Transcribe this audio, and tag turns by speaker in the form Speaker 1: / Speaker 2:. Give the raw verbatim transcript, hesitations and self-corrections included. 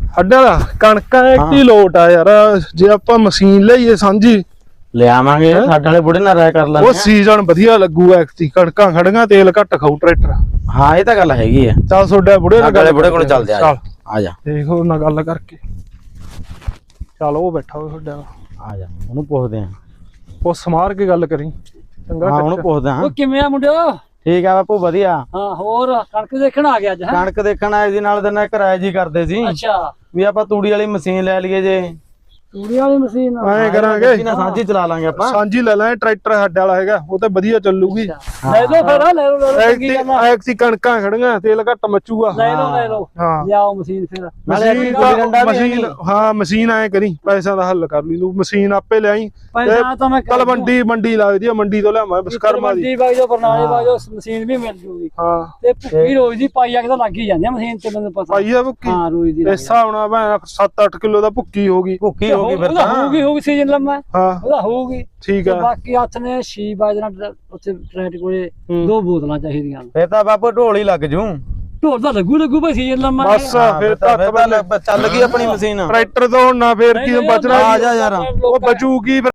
Speaker 1: ਸਾਡੇ ਵਾਲਾ ਕਣਕਾਂ ਇੱਕ ਲੋਟ ਆ ਯਾਰ ਜੇ ਆਪਾਂ ਮਸ਼ੀਨ ਲਈਏ ਸਾਂਝੀ
Speaker 2: ਲਿਆਵਾਂਗੇ ਸਾਡੇ ਵਾਲੇ ਬੁੜੇ ਨਾਲ ਰਾਇ ਕਰ ਲਾਂਗੇ
Speaker 1: ਉਹ ਸੀਜ਼ਨ ਵਧੀਆ ਲੱਗੂ ਐਕਤੀ ਕਣਕਾਂ ਖੜੀਆਂ ਤੇਲ ਘੱਟ ਖਾਊ ਟਰੈਕਟਰ
Speaker 2: ਹਾਂ ਇਹ ਤਾਂ ਗੱਲ ਹੈਗੀ ਆ
Speaker 1: ਚੱਲ ਤੁਹਾਡੇ ਬੁੜੇ ਨਾਲ
Speaker 2: ਗੱਲ ਬੁੜੇ ਕੋਲ ਚੱਲਦੇ ਆ ਆ ਜਾ
Speaker 1: ਦੇਖੋ ਉਹਨਾਂ ਗੱਲ ਕਰਕੇ ਚੱਲ ਉਹ ਬੈਠਾ ਹੋਇਆ ਤੁਹਾਡਾ
Speaker 2: ਆ ਜਾ ਉਹਨੂੰ ਪੁੱਛਦੇ ਆ
Speaker 1: ਉਹ ਸਮਾਰ ਕੇ ਗੱਲ ਕਰੀ ਚੰਗਾ
Speaker 2: ਹਾਂ ਉਹਨੂੰ ਪੁੱਛਦਾ ਹਾਂ
Speaker 3: ਉਹ ਕਿਵੇਂ ਆ ਮੁੰਡਿਓ
Speaker 2: ਠੀਕ ਆ ਬਾਪੂ ਵਧੀਆ
Speaker 3: ਹਾਂ ਹੋਰ ਕਣਕ ਦੇਖਣ ਆ ਗਿਆ ਅੱਜ ਹੈ
Speaker 2: ਕਣਕ ਦੇਖਣ ਆਏ ਜੀ ਨਾਲ ਦਿਨ ਕਿਰਾਏ ਜੀ ਕਰਦੇ ਸੀ
Speaker 3: ਅੱਛਾ
Speaker 2: ਵੀ ਆਪਾਂ ਤੂੜੀ ਵਾਲੀ ਮਸ਼ੀਨ ਲੈ ਲਈਏ ਜੇ
Speaker 3: ਤੂੜੀ ਵਾਲੀ ਮਸ਼ੀਨ
Speaker 1: ਐਂ ਕਰਾਂਗੇ
Speaker 2: ਨਾ ਸਾਂਝੀ ਚਲਾ ਲਾਂਗੇ ਆਪਾਂ
Speaker 1: ਸਾਂਝੀ ਲੈ ਲੈ ਟਰੈਕਟਰ ਸਾਡੇ ਵਾਲਾ ਹੈਗਾ ਉਹ ਤਾਂ ਵਧੀਆ ਚੱਲੂਗੀ
Speaker 3: ਲੈ ਲਓ ਫਿਰ ਲੈ ਲਓ ਲੈ ਲਓ ਚੰਗੀ ਗੱਲ ਆ
Speaker 1: ਐਕਤੀ ਕਣਕਾਂ ਖੜੀਆਂ ਤੇਲ ਘੱਟ ਮੱਚੂਗਾ
Speaker 3: ਲੈ ਲਓ ਲੈ ਲਓ
Speaker 1: ਹਾਂ
Speaker 3: ਲਿਆਓ ਮਸ਼ੀਨ ਫਿਰ
Speaker 1: ਮਸ਼ੀਨ ਦਾ ਮਸ਼ੀਨ ਹਾਂ ਮਸ਼ੀਨ ਐ ਕਰੀ ਪੈਸਿਆਂ ਦਾ ਹੱਲ ਕਰ ਲਈ ਤੂੰ ਮਸ਼ੀਨ ਆਪੇ ਲਿਆਈ
Speaker 3: ਪੈਸਾ ਤਾਂ ਮੈਂ
Speaker 1: ਕੱਲ ਮੰਡੀ ਮੰਡੀ ਲੱਗਦੀ ਆ ਮੰਡੀ ਤੋਂ ਲਿਆਵਾਂ ਵਿਸ਼ਕਰਮਾ ਦੀ
Speaker 3: ਮੰਡੀ ਬਾਈ ਜੋ ਬਰਨਾਲੇ ਬਾਈ ਜੋ ਮਸ਼ੀਨ ਵੀ ਮਿਲ ਜੂਗੀ
Speaker 1: ਹਾਂ
Speaker 3: ਤੇ ਭੁੱਕੀ ਰੋਜ਼ ਦੀ ਪਾਈ ਆ ਕੇ ਤਾਂ ਲੱਗ ਹੀ ਜਾਂਦੀ ਆ ਮਸ਼ੀਨ ਤੇ ਮੈਨੂੰ ਪਤਾ
Speaker 1: ਪਾਈ ਆ ਭੁੱਕੀ
Speaker 3: ਹਾਂ ਰੋਜ਼ ਦੀ
Speaker 1: ਇਸ ਹਿਸਾਬ ਨਾਲ ਮੈਂ ਸੱਤ ਅੱਠ ਕਿਲੋ ਦਾ ਭੁੱਕੀ ਹੋ ਗਈ
Speaker 2: ਭੁੱਖੀ ਹੋ ਗਈ ਫਿਰ ਤਾਂ
Speaker 3: ਹੋਊਗੀ ਹੋਊਗੀ ਸੀਜ਼ਨ ਲੰਮਾ
Speaker 1: ਹਾਂ
Speaker 3: ਉਹਦਾ ਹੋਊਗੀ
Speaker 1: ਠੀਕ
Speaker 3: ਤੇ
Speaker 1: ਆ
Speaker 3: ਬਾਕੀ ਹੱਥ ਨੇ ਛੇ ਵਜੇ ਨਾਲ ਉੱਥੇ ਟਰੈਟ ਕੋਲੇ ਦੋ ਬੋਤਲਾਂ ਚਾਹੀਦੀਆਂ
Speaker 2: ਫਿਰ ਤਾਂ ਬਾਪੂ ਢੋਲ ਹੀ ਲੱਗ ਜੂ
Speaker 3: ਢੋਲ ਤਾਂ ਲੱਗੂ ਲੱਗੂ ਭਾਈ ਸੀਜ਼ਨ ਲੰਮਾ
Speaker 1: ਬਸ ਫਿਰ ਤੱਕ
Speaker 2: ਚੱਲ ਗਈ ਆਪਣੀ ਮਸ਼ੀਨ
Speaker 1: ਟਰੈਕਟਰ ਤੋਂ ਹੁਣ ਨਾ ਫੇਰ ਕੀ ਬਚਣਾ
Speaker 2: ਆ ਜਾ ਯਾਰ
Speaker 1: ਉਹ ਬਚੂਗੀ